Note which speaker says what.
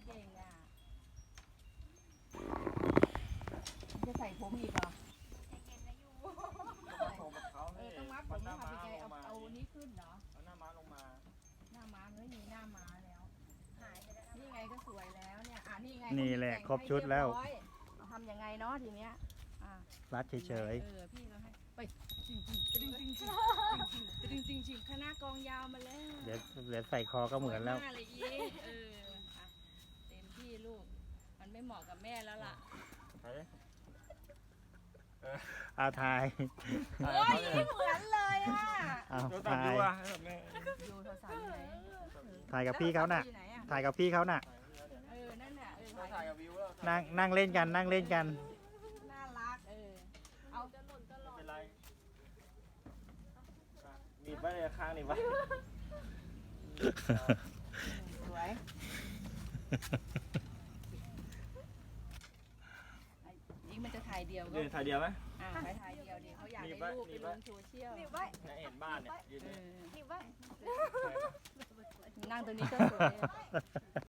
Speaker 1: เก่งอ่ะจะใส่ผมอีกเหรอ
Speaker 2: ผมกับเขานี่
Speaker 1: ต้องมัดผ
Speaker 2: มั
Speaker 1: ม
Speaker 2: นหน้า
Speaker 1: ทำ
Speaker 2: ม้า
Speaker 1: ยังไง
Speaker 2: ลงมา
Speaker 1: เอานี้ขึ้นเหรอ
Speaker 2: เอาหน้าม้าลงมา
Speaker 1: หน้าม้าไม่มีหน้าม้าแล้วหายไปแล้วนี่ไงก็สวยแล้วเนี่ยนี่ไง
Speaker 3: นี่แหละครบชุดแล้ว
Speaker 1: ทำยังไงเนาะทีเนี้ย
Speaker 3: รัดเฉย
Speaker 1: พี่เราให้ไปจริงจริงคณะกองยาวมาแล้ว
Speaker 3: ๆเดี๋ยวใส่คอก็เหมือนแล้ว
Speaker 1: หน้าเลยอีเต็มที่ลูกมันไม่เหมาะกับแม่แล้วล่ะ
Speaker 2: เฮ้ย
Speaker 3: เอาทาย
Speaker 1: โอ้ยเหมือนเลยอ่ะ
Speaker 3: เอา
Speaker 2: ดูตัด
Speaker 3: ทา
Speaker 2: ดู
Speaker 3: ย
Speaker 2: อ่ะให้แบบแม่
Speaker 1: ดูโทรศัพท์ไหน
Speaker 3: ถ่ายกับพี่เขาน่ะ ถ่ายกับพี่เขาน่ะ
Speaker 1: นั่นน่ะ
Speaker 2: ถ่ายกับวิวแล้ว
Speaker 3: นั่งเล่นกันนั่งเล่นกัน
Speaker 1: น่ารักเอาจะหล่นตลอด
Speaker 2: เป็นไรหนีบไว้เลยข้างหนีบไว้
Speaker 1: สวยนี่มันจะถ่ายเดียวก็
Speaker 2: ยืนถ่ายเดียวไหม
Speaker 1: ถ่ายเดียวดิเขาอยากได้รูปไปลงโซเชียล
Speaker 2: เห็นบ้านเนี่ยยืน
Speaker 1: นั่งตรงนี้ก็สวย